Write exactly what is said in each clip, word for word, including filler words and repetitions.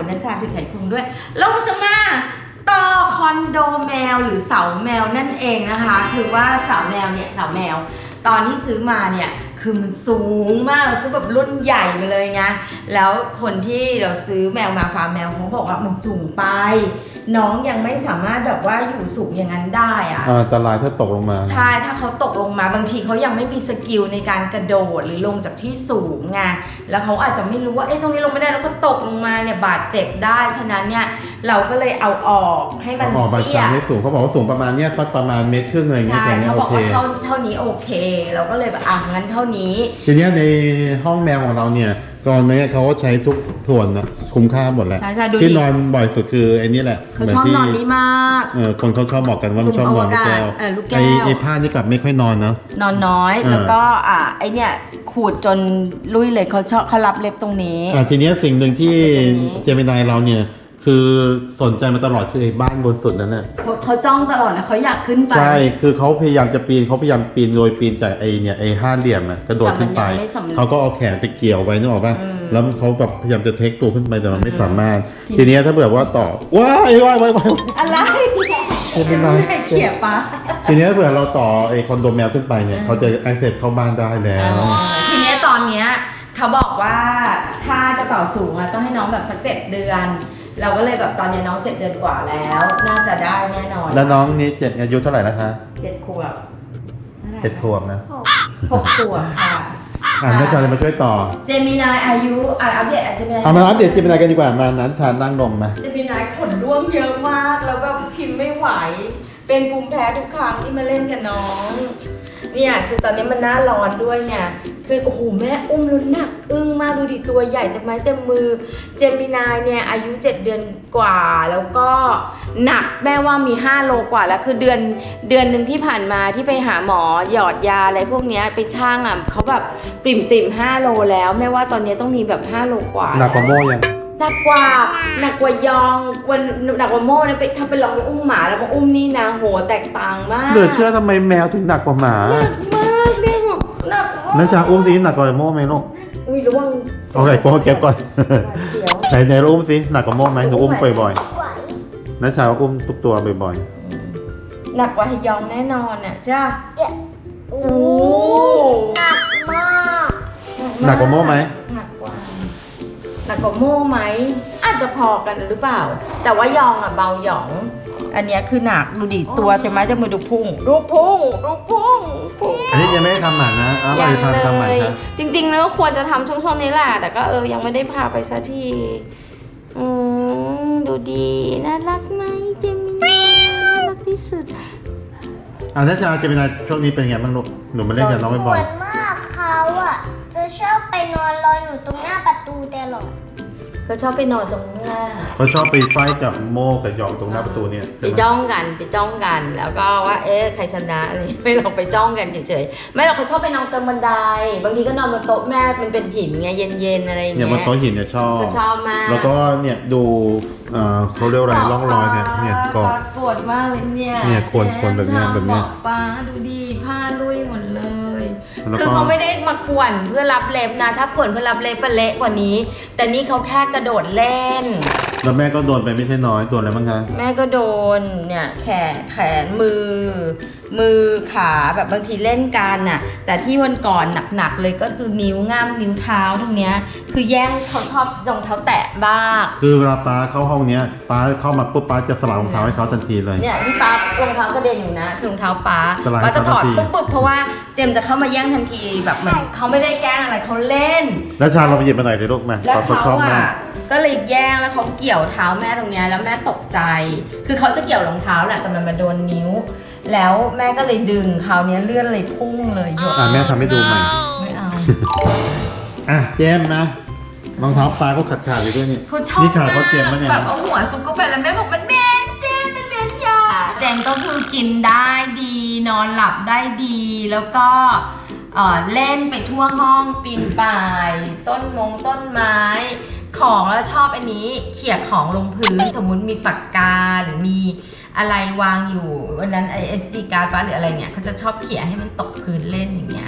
นัชชาถือไขควงด้วยเราจะมาต่อคอนโดแมวหรือเสาแมวนั่นเองนะคะคือว่าเสาแมวเนี่ยเสาแมวตอนที่ซื้อมาเนี่ยคือมันสูงมากเราซื้อแบบรุ่นใหญ่มาเลยไงแล้วคนที่เราซื้อแมวมาฟาร์มแมวเขาบอกว่ามันสูงไปน้องยังไม่สามารถแบบว่าอยู่สูงอย่างนั้นได้อะอันตรายถ้าตกลงมาใช่ถ้าเขาตกลงมาบางทีเขายังไม่มีสกิลในการกระโดดหรือลงจากที่สูงไงแล้วเขาอาจจะไม่รู้ว่าเอ๊ะตรงนี้ลงไม่ได้แล้วก็ตกลงมาเนี่ยบาดเจ็บได้ฉะนั้นเนี่ยเราก็เลยเอาออกให้มันเตี้ยให้สูงเขาบอกว่าสูงประมาณเนี้ยสักประมาณเมตรครึ่งอะไรเงี้ยใช่เขาบอกว่าเท่าเท่านี้โอเคเราก็เลยแบบอ่ะงั้นเท่านี้ทีเนี้ยในห้องแมวของเราเนี่ยก่อนนี้เขาใช้ทุกส่วนนะคุ้มค่าหมดแหละที่นอนบ่อยสุดคือไอ้นี่แหละเขาชอบนอนนี้มากเออคนเขาชอบบอกกันว่ามันชอบนอนลูกแก้วไอ้ไอ้ผ้านี่กลับไม่ค่อยนอนนะนอนน้อยแล้วก็อ่ะไอ้เนี่ยขูดจนลุยเลยเขาชอบเขารับเล็บตรงนี้อ่ะทีเนี้ยสิ่งหนึ่งที่เจมินายเราเนี่ยคือสนใจมาตลอดคือไอ้บ้านบนสุดนั่นแหละเขาเขาจ้องตลอดนะเขาอยากขึ้นไปใช่คือเขาพยายามจะปีนเขาพยายามปีนโดยปีนจากไอ้เนี่ยไอ้ห้าเหลี่ยมอะกระโดดขึ้นไปเขาก็เอาแขนไปเกี่ยวไว้นึกออกป่ะแล้วเขาแบบพยายามจะเทคตัวขึ้นไปแต่มันไม่สามารถทีนี้ถ้าเผื่อว่าต่อว้ายว้ายว้ายว้ายอะไรเป็นไรเขี่ยปะทีนี้เผื่อเราต่อไอ้คอนโดแมวขึ้นไปเนี่ยเขาจะ access เข้าบ้านได้แล้วทีนี้ตอนเนี้ยเขาบอกว่าถ้าจะต่อสูงอะต้องให้น้องแบบสักเจ็ดเดือนเราก็เลยแบบตอนนี้น้องเจ็ดเดือนกว่าแล้วน่าจะได้แน่นอนแล้วน้องนี้เจ็ดอายุเท่าไหร่นะคะเจ็ดขวบเจ็ดขวบนะหกขวบค่ะอ่านัชชาจะมาช่วยต่อเจมินายอายุอ่าอัปเดตเจมินายเอามาอัปเดตเจมินายกันดีกว่ามานั้นชานั่งลงมาเจมินายขนร่วงเยอะมากแล้วแบบพิมพ์ไม่ไหวเป็นภูมิแพ้ทุกครั้งที่มาเล่นกับน้องเนี่ยคือตอนนี้มันหน้าร้อนด้วยเนี่ยคือโอ้โหแม่อุ้มลุ้นหนักอึ้งมากดูดิตัวใหญ่เต็มไม้เต็มมือเจมินายเนี่ยอายุเจ็ดเดือนกว่าแล้วก็หนักแม่ว่ามีห้าโลกว่าแล้วคือเดือนเดือนหนึ่งที่ผ่านมาที่ไปหาหมอหยอดยาอะไรพวกนี้ไปช่างอ่ะเขาแบบปริ่มปริ่มห้าโลแล้วแม่ว่าตอนนี้ต้องมีแบบห้าโลกว่าหนักกว่าโม่ยังหนักกว่าหนักกว่ายองวันหนักกว่าโม่เนี่ยไปถ้าไปลองอุ้มหมาแล้วก็อุ้มนี่นะโหแตกต่างมากเหลือเชื่อทำไมแมวถึงหนักกว่าหมาหนักมากเนี่ยแบบหนักนัชชาอุ้มสิหนักกว่าโม่ไหมลูกอุ้ยระวังโอเคโฟกัสก่อนไหนไหนอุ้มสิหนักกว่าโม่ไหมหนูอุ้มบ่อยๆนัชชาอุ้มทุกตัวบ่อยๆหนักกว่าฮยองแน่นอนน่ะจ้าโอ้หนักมากหนักกว่าโม่ไหมหนักกว่าหนักกว่าโม่ไหมอาจจะพอกันหรือเปล่าแต่ว่ายองอ่ะเบาหยองอันนี้คือหนักดูดิตัวเต็มไม้เต็มมือดูพุ่งดูพุ่งดูพุ่งอันนี้ยังไม่ได้ทำหมันนะเอาไปทำทำหมันครับจริงๆแล้วควรจะทำช่วงๆนี้แหละแต่ก็เออยังไม่ได้พาไปสักทีอืมดูดีน่ารักไหมเจมินาน่ารักที่สุดอ่านัชชาเจมินาช่วงนี้เป็นไงบ้างลูกหนูมาเล่นกับน้องบ่อยๆส่วนมากเขาอ่ะจะชอบไปนอนรออยู่ตรงหน้าประตูตลอดเขาชอบไปนอนตรงหน้าเขาชอบไปไฟกับโม่กับยองตรงหน้าประตูเนี่ยไปจ้องกันไปจ้องกันแล้วก็ว่าเอ๊ะใครชนะอะไรไม่ลองไปจ้องกันเฉยๆไม่หรอกเขาชอบไปนอนตรงบันไดบางทีก็นอนบนโต๊ะแม่มันเป็นหินไงเย็นๆอะไรอย่างเงี้ยเนี่ยบนโต๊ะหินเนี่ยชอบเขาชอบมากแล้วก็เนี่ยดูเขาเรียกอะไรร่องรอยเนี่ยเนี่ยก็ปวดมากเลยเนี่ยเนี่ยควรควรแบบนี้แบบนี้ป้าดูดีผ้าลุยหมดเลยคือเขาไม่ได้มาขวนเพื่อรับเล็บนะถ้าขวนเพื่อรับเล็บเป็นเละกว่านี้แต่นี่เขาแค่กระโดดเล่นแล้วแม่ก็โดนไปไม่ใช่น้อยโดนอะไรบ้างคะแม่ก็โดนเนี่ยแขนแขนมือมือขาแบบบางทีเล่นกันน่ะแต่ที่วันก่อนหนักๆเลยก็คือนิ้วง่ามนิ้วเท้าตรงเนี้ยคือแย่งเขาชอบรองเท้าแตะบ้างคือเวลาป้าเข้าห้องเนี้ยป้าเข้ามาปุ๊บป้าจะสลับรองเท้าให้เขาทันทีเลยเนี่ยที่ป้ารองเท้ากระเด็นอยู่นะคือรองเท้าป้าป้าจะถอดปุ๊บปุ๊บเพราะว่าเจมจะเข้ามาแย่งทันทีแบบเหมือนเขาไม่ได้แกล้งอะไรเขาเล่นแล้วชาเราไปหยิบมาหน่อยสิลูกมาแล้วเขาอ่ะก็เลยแย่งแล้วเขาเกี่ยวเท้าแม่ตรงเนี้ยแล้วแม่ตกใจคือเขาจะเกี่ยวรองเท้าแหละแต่มันมาโดนนิ้วแล้วแม่ก็เลยดึงคราวนี้เลื่อนเลยพุ่งเลยหยดอ่ะแม่ทำให้ดูใหม่ไม่เอาอ่ะเจมนะรองเท้าปลาเขาขาดขาดอยู่ด้วยนี่นี่ขาเขาเจ็บมั้ยเนี่ยแบบเอาหัวซุกเข้าไปแล้วแม่บอกมันเหม็นเจมมันเหม็นยาเจมก็คือกินได้ดีนอนหลับได้ดีแล้วก็เอ่อเล่นไปทั่วห้องปีนป่ายต้นมงต้นไม้ของแล้วชอบอันนี้เขี่ยของลงพื้นสมมุติมีปากกาหรือมีอะไรวางอยู่วันนั้นไอเอสดีการ์ดหรืออะไรเนี่ยเขาจะชอบเขี่ยให้มันตกพื้นเล่นอย่างเงี้ย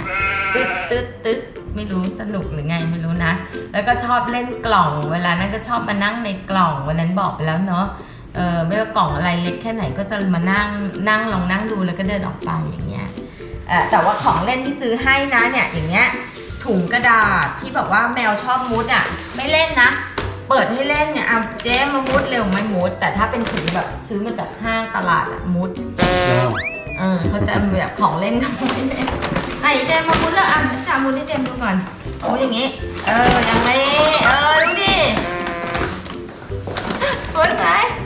ตึ๊ดตึ๊ดตึ๊ดไม่รู้สนุกหรือไงไม่รู้นะ แล้วก็ชอบเล่นกล่องเวลานั้นก็ชอบมานั่งในกล่องวันนั้นบอกไปแล้วเนาะเออไม่ว่ากล่องอะไรเล็กแค่ไหนก็จะมานั่งนั่งลองนั่งดูแล้วก็เดินออกไปอย่างเงี้ยเออแต่ว่าของเล่นที่ซื้อให้นะเนี่ยอย่างเงี้ยถุงกระดาษที่แบบว่าแมวชอบมุดอ่ะไม่เล่นนะเปิดให้เล่นเนี่ยอ่ะเจ๊มามุดเร็วไม่มุดแต่ถ้าเป็นถุงแบบซื้อมาจากห้างตลาดอ่ะมุดเออเขาจะแบบของเล่นก็ไม่เล่นไหนเจมมามุดแล้วอ่ะจามุดให้เจมดูก่อนโอ้ยอย่างงี้เอออย่างนี้เออดูดิมุดไหน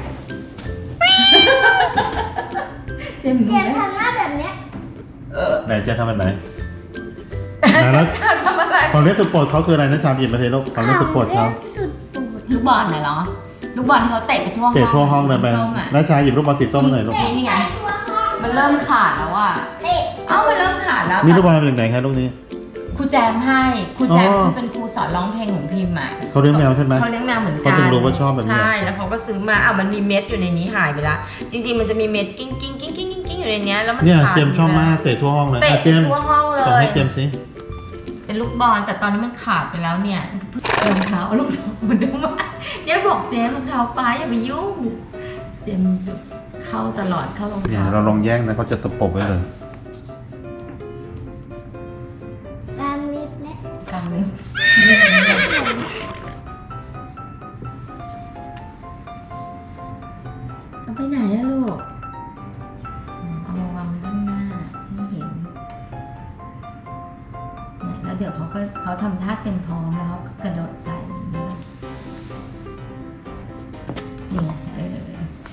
เจมเจมส์ทำหน้าแบบเนี้ยเออไหนเจะทำแบบไหนแล้วจะทำอะไรของเล่นสุดโปรดเขาคืออะไรนะชามหยิบมาเทลูกของเล่นสุดโปรดเขาสุดโปรดลูกบอลไหนเหรอลูกบอลที่เขาเตะไปทั่วห้องเตะทั่วห้องเลยไปส้มๆอะน้าชาหยิบลูกบอลสีส้มมาหน่อยลูกนี่ไงทั่วห้องมันเริ่มขาดแล้วอ่ะเตะเอ้ามันเริ่มขาดแล้วนี่ลูกบอลมาจากไหนครับลูกนี้ครูแจมให้ครูแจมอ๋อคือเป็นครูสอนร้องเพลงของพิมพ์อ่ะเขาเลี้ยงแมวใช่ไหมเขาเลี้ยงแมวเหมือนกันเขาถึงรู้ว่าชอบแบบนี้ใช่แล้วเขาก็ซื้อมาอ้าวมันมีเม็ดอยู่ในนี้หายไปละจริงๆมันจะมีเม็ดกิ้งกิ้งกิ้งกิ้งกิ้งกิ้งอยู่ในเนี้ยแล้วมันเนี่ยขาดเจมส์ชอบมากเตะทั่วห้องเลยเตะอ่ะเจมส์ทั่วห้องเลส่งยให้เจมส์สิเป็นลูกบอลแต่ตอนนี้มันขาดไปแล้วเนี่ยรองเท้ารองเท้ามันดูมากเนี่ยบอกเจมส์รองเท้าป้าอย่าไปยุ่งเจมส์เข้าตลอดเข้ารองเนี่ยเท้าเราลองแย่งนะเขาจะตะปบไว้เลยตามลิฟต์และกลางเลยเอาไปไหนอะลูกเอามาวางไว้ข้างหน้าให้เห็นเนี่ยแล้วเดี๋ยวเขาก็เขาทำท่าเต็มพร้อมแล้วเขาก็กระโดดใส่อย่างนี้นี่เออ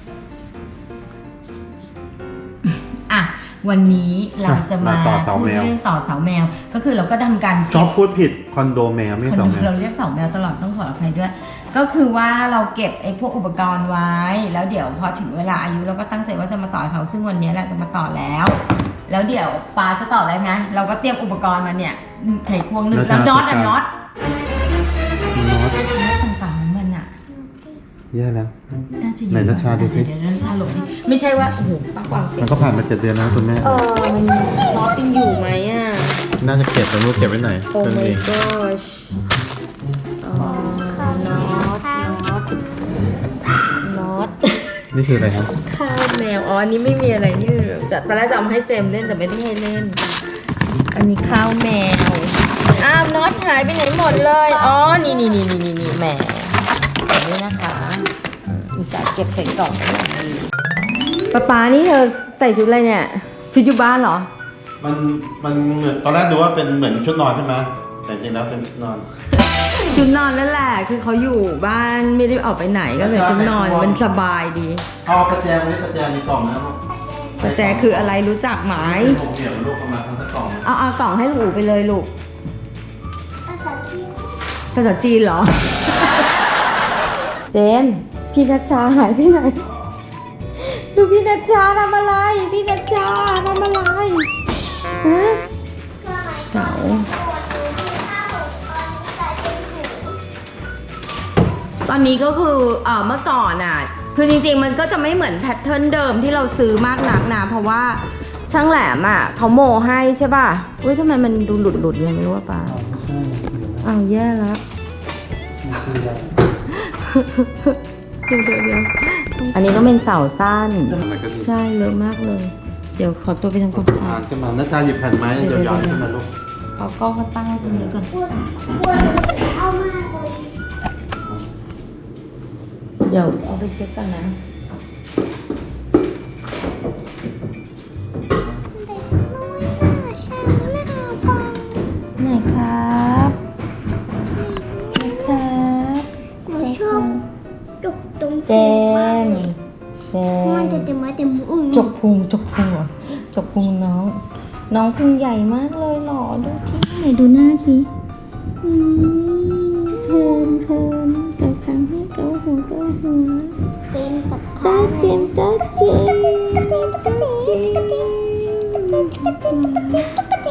อ่ะวันนี้เราจะมามาต่อเสาพูดแมวเรื่องต่อเสาแมว ก็คือเราก็ทำการชอบพูดผิดคอนโดแมวไม่ใช่คนเสาดูแมวเราเรียกเสาแมวตลอดต้องขออภัยด้วย ก็คือว่าเราเก็บไอ้พวกอุปกรณ์ไว้ แล้วเดี๋ยวพอถึงเวลาอายุเราก็ตั้งใจว่าจะมาต่อเขาซึ่งวันนี้แหละจะมาต่อแล้ว แล้วเดี๋ยวปาจะต่อได้ไหมเราก็เตรียมอุปกรณ์มาเนี่ยไขควงหนึ่งแล้วน็อตอะน็อตน็อตน็อตต่างๆของมันอะแย่แล้วน่าจะอยู่ไหนนัชชาดูสิเดี๋ยวนัชชาหลบดิไม่ใช่ว่าโอ้โหป้ากวางเสียมังนก็ผ่านมาเจ็ดเดือนแล้วคุณแม่เออมันน็อตยังอยู่ไหมอะน่าจะเก็บแต่ไม่รู้เก็บไว้ไหนโอ้เพิ่ม my เอง gosh อ๋อน็อตน็อตน็อตนี่คืออะไรครับข้าวแมว อ๋อ อันนี้ไม่มีอะไรนี่จะตอนแรกจะเอามาให้เจมส์เล่นแต่ไม่ได้ให้เล่น อันนี้ข้าวแมว อ้าวน็อตหายไปไหนหมดเลย อ๋อ นี่นี่นี่นี่นี่นี่แหมแบบนี้นะคะอุตส่าห์เก็บใส่กล่องไว้อย่างดีป๊าป๊านี่เธอใส่ชุดอะไรเนี่ย ชุดอยู่บ้านเหรอมันมันเหมือนตอนแรกดูว่าเป็นเหมือนชุดนอนใช่ไหมแต่จริงๆแล้วเป็นชุดนอนชุดนอนนั่นแหละ คือเขาอยู่บ้านไม่ได้ออกไปไหนก็เลยชุดนอนมันสบายดีเอากระแจไว้กระแจในกล่องนะลูกแต่แจคืออะไรรู้จักไหมเป็นหกเหลี่ยมลูกประมาณทั้งกล่องเอาเอากล่องให้ลูกอู๋ไปเลยลูกภาษาจีนภาษาจีนเหรอ เจมส์พี่นัชชาหายไปไหน ดูพี่นัชชาทำอะไร พี่นัชชาทำอะไรฮะเสาตอนนี้ก็คือเออเมื่อก่อนอ่ะ คือจริงๆมันก็จะไม่เหมือนแพทเทิร์นเดิมที่เราซื้อมากนักนะ เพราะว่าช่างแหลมอ่ะเขาโมให้ใช่ป่ะเว้ยทำไมมันดูหลุดหลุดๆไงไม่รู้ว่าป่าอ้าวแย่แล้วเดี๋ยวเดี๋ยวเดี๋ยวอันนี้ต้องเป็นเสาสั้นมันก็ดีใช่เลอะมากเลย เดี๋ยวขอตัวไปทำความสะอาอ่าดนขึ้นมาน้าชาหยิบแผ่นไม้ยาวๆขึ้นมาลูกเอากล้องมาตั้งไว้ตรงนี้ก่อนปวดปวดเอามากเลยเดี๋ยวเอาไปเช็คกันนะ ไหนครับไหนครับหนูชอบจุกตรงเจมส์เจมันจะมส์เต็มไม้เต็มมือจกพุงจกพุงเหรอจกพุงน้อง น้องพุงใหญ่มากเลยเหรอดูที่ไหนดูหน้าสิอืมเพลินเพลินเกาคางให้เกาหัวเกาหัวเต็มตัดจ้าขาเจมส์จ้าเจมส์จ้าเจมส์ตุ๊กตีตุ๊กตีตุ๊ก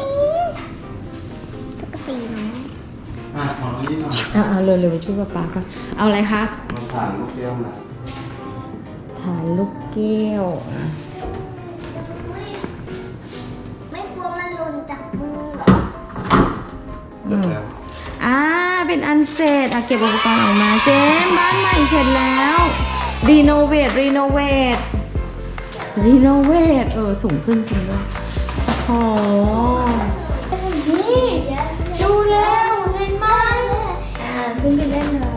ตีเนาะอ่าของนี้หน่อยอ่าเร็วเร็วๆช่วยป๊าป๊าค่ะเอาอะไรคะมาผ่านลูกแก้วนะฐานลูกแก้วอ่ะไม่กลัวมันหล่นจากมือเหรอเสร็จแล้วอ่าเป็นอันเสร็จอ่ะเก็บอุปกรณ์ออกมาเจมส์บ้านใหม่เสร็จแล้วรีโนเวทรีโนเวทรีโนเวทเออสูงขึ้นจริงด้วยโอ้นี่ดูแล้วเห็นไหมอ่าขึ้นไปเล่นเลย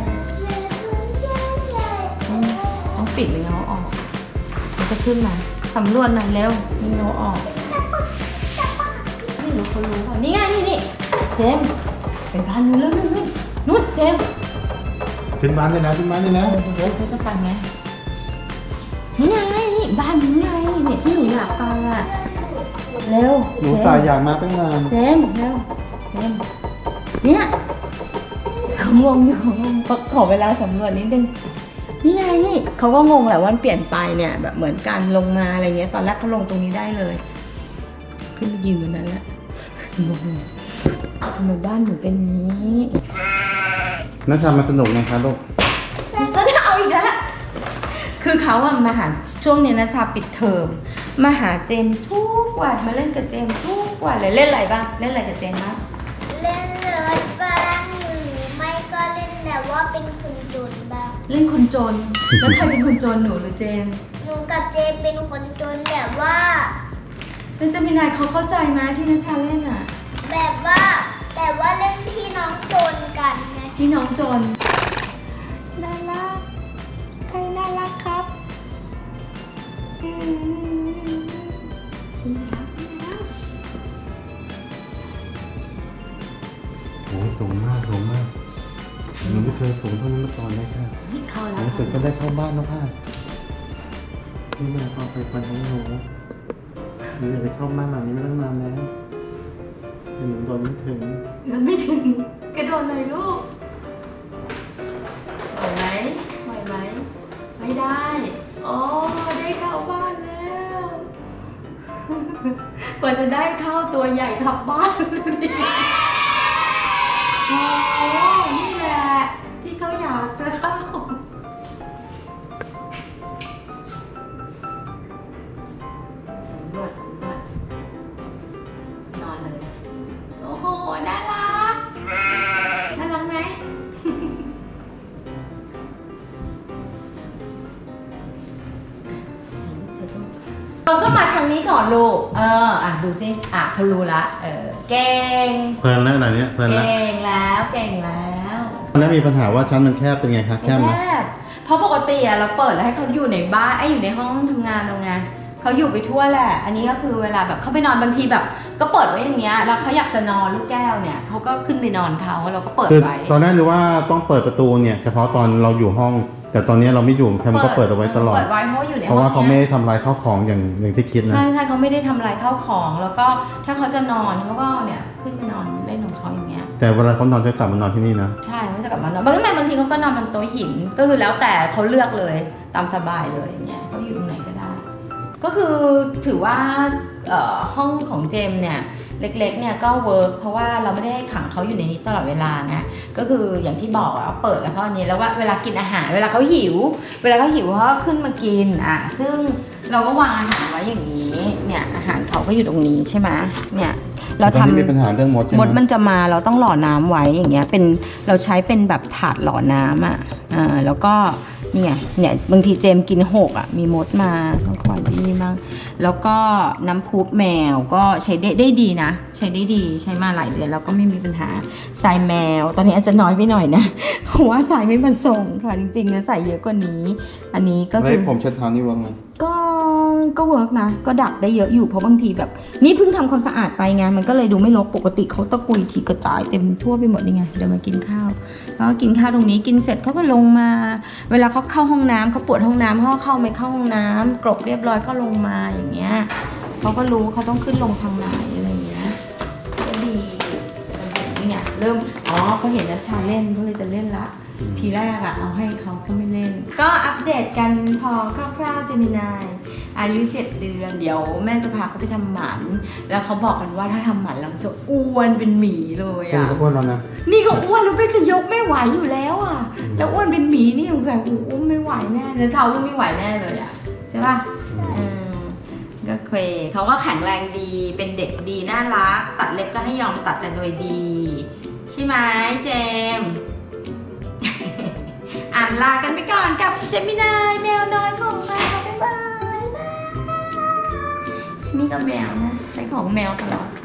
ต้องปิดไม่งั้นเอาออกมันจะขึ้นมาสำรวจหน่อยเร็วมีเงาออกไม่รู้เขารู้เปล่านี่ไงนี่นี่เจมส์ไปบ้านนู้นแล้วนู่นนู่นนู่นเจมส์ขึ้นบ้านได้แล้วขึ้นบ้านได้แล้วเดี๋ยวเขาจะไปไหมนี่ไงนี่บ้านนี้ไงเนี่ยที่หนูอยากไปอ่ะเร็วหนูตายอยากมาตั้งนานเจมส์เร็วเจมส์เนี่ยเขางงอยู่งงขอเวลาสำรวจนิดนึงนี่ไงนี่เขาก็งงแหละว่ามันเปลี่ยนไปเนี่ยแบบเหมือนการลงมาอะไรเงี้ยตอนแรกเขาลงตรงนี้ได้เลยขึ้นไปยืนบนนั้นแหละงงทำไมบ้านหนูเป็นนี้นัชชามาสนุกนะคะลูกสนเอาอีกแล้วคือเขาอะมาหาช่วงเนี้ยนะชาปิดเทอมมาหาเจมส์ทุกวันมาเล่นกับเจมส์ทุกวันเลยเล่นอะไรบ้างเล่นอะไรกับเจมส์บ้างเล่นรถบ้างหรือไม่ก็เล่นแบบว่าเป็นคนจนบ้างเล่นคนจน แล้วใครเป็นคนจนหนูหรือเจมส์หนูกับเจเป็นคนจนแบบว่าแล้วเจะมีนายเขาเข้าใจไหมที่นัชชาเล่นอะแบบว่าแบบว่าเล่นพี่น้องจนกันไงที่น้องจนน่ารักใครน่ารักครับอืมน่ารักน่ารักโอ้สูงมากสูงมากหนูไม่เคยสูงเท่านี้มาก่อนเลยค่ะนี่เข้าหแล้นูวเกิดก็ได้เข้าบ้านแล้วค่ะนี่แม่พอไปฟันของหนูหนูอยากไปเข้าบ้านหลังนี้มาตั้งนานแล้วแต่หนูโดนไม่ถึงยังไม่ถึงกระโดดหน่อยลูกไหวไหมไหวไหมไม่ได้โอ้ได้เข้าบ้านแล้ว กว่าจะได้เข้าตัวใหญ่ขับบ้านดูดิโอ้นี่แหละที่เขาอยากจะเข้าสำรวจสำรวจนอนเลยโอ้โหน่ารักน่ารักไหม เราก็มาทางนี้ก่อนลูก เออ อ่ะดูสิ อ่ะเขารู้ละ เออ เก่งเพลินแล้วอะไรเนี้ยเพลินแล้วเก่งแล้ว เก่งแล้วแล้วมีปัญหาว่าชั้นมันแคบเป็นไงคะแคบไหมแคบเพราะปกติอะเราเปิดแล้วให้เขาอยู่ในบ้านไอ้ยอยู่ในห้องทำงานเราไงเขาอยู่ไปทั่วแหละ อันนี้ก็คือเวลาแบบเขาไปนอนบางทีแบบ ก็เปิดไว้อย่างเงี้ย แล้วเขาอยากจะนอนลูกแก้วเนี่ยเขาก็ขึ้นไปนอนเขาเราก็เปิดคือไว้ตอนแรกนึกว่าต้องเปิดประตูเนี่ยเฉพาะตอนเราอยู่ห้อง แต่ตอนนี้เราไม่อยู่แคมก็เปิดเอาไว้ตลอดเปิดไว้เพราะว่าอยู่ในห้เพองราะว่าเขาไม่นี่ยได้ทำลายข้าวของอย่างอย่างที่คิดนะใช่ใช่เขาไม่ได้ทำลายข้าวของ แล้วก็ถ้าเขาจะนอนเขาก็เนี่ยขึ้นไปนอนเล่นของเขาอย่างเงี้ยแต่เวลาเขานอนจะกลับมานอนที่นี่นะใช่เขาจะกลับมานอนบางทีบางทีเขาก็นอนบนโต๊ะหิน ก็คือแล้วแต่เขาเลือกเลยตามสบายเลยอย่างเงี้ยเขาอยู่ตรงไหนก็ได้ ก็คือถือว่าเอ่อห้องของเจมส์เนี่ยเล็กๆเนี่ยก็เวิร์กเพราะว่าเราไม่ได้ให้ขังเขาอยู่ในนี้ตลอดเวลาไงก็คืออย่างที่บอกอะเปิดแล้วก็อันนี้แล้วว่าเวลากินอาหารเวลาเขาหิว เวลาเขาหิวเขาก็ขึ้นมากินอ่ะซึ่งเราก็วางอาหารไว้อย่างนี้เนี่ยอาหารเขาก็อยู่ตรงนี้ใช่ไหมเนี่ยเราตอนทำนี้มีปัญหาเรื่องมดใช่ไหมมดมันจะมาเราต้องหล่อน้ำไว้อย่างเงี้ยเป็นเราใช้เป็นแบบถาดหล่อน้ำอ่ะอ่าแล้วก็นี่ไงเนี่ยบางทีเจมกินหกอ่ะมีมดมาต้องคอยดีบ้างแล้วก็น้ำพุแมวก็ใช้ได้ได้ดีนะใช้ได้ดีใช้มาหลายเดือนแล้วก็ไม่มีปัญหาทรายแมวตอนนี้อาจจะน้อยไปหน่อยนะเพราะว่าทรายไม่มาส่งค่ะจริงๆเนี่ยใส่เยอะกว่านี้ อันนี้ก็แล้วคือผมเช็ดเท้านี่ว่าไงก็ก็เวิร์กนะก็ดักได้เยอะอยู่เพราะบางทีแบบ นี่เพิ่งทำความสะอาดไปไงมันก็เลยดูไม่รกปกติเขาตะกุยทีกระจายเต็มทั่วไปหมดนี่ไงเดี๋ยวมากินข้าวแล้วก็กินข้าวตรงนี้กินเสร็จเขาก็ลงมา เวลาเขาเข้าห้องน้ำเขาปวดห้องน้ำเขาก็เข้าไม่เข้าห้องน้ำกรบเรียบร้อยก็ลงมาอย่างเงี้ยเขาก็รู้เขาต้องขึ้นลงทางไหนอะไรอย่างเงี้ยก็ดีนี่ไงเริ่มอ๋อเขาเห็นนัชชาเล่นเขาเลยจะเล่นละ ทีแรกอะเอาให้เขาเขาไม่เล่น ก็อัปเดตกันพอคร่าวๆเจมินายอายุเจ็ดเดือนเดี๋ยวแม่จะพาเขาไปทำหมัน แล้วเขาบอกกันว่าถ้าทำหมันแล้วจะอ้วนเป็นหมีเลยคุณอะก็พูดแล้วนะนี่ก็อ้วนแล้วไม่จะยกไม่ไหวอยู่แล้วอะแล้วอ้วนเป็นหมีนี่สงสัยอู้อุ้มไม่ไหวแน่แล้วเช้าอุ้มไม่ไหวแน่เลยอะใช่ป่ะเออก็เคยเขาก็แข็งแรงดีเป็นเด็กดีน่ารักตัดเล็บก็ให้ยอมตัดแต่โดยดีใช่ไหมเจมส์ อ่านลากันไปก่อนกับเจมินายแมวน้อยของเราบ๊ายบายนี่ก็แมวนะใช้ของแมวตลอด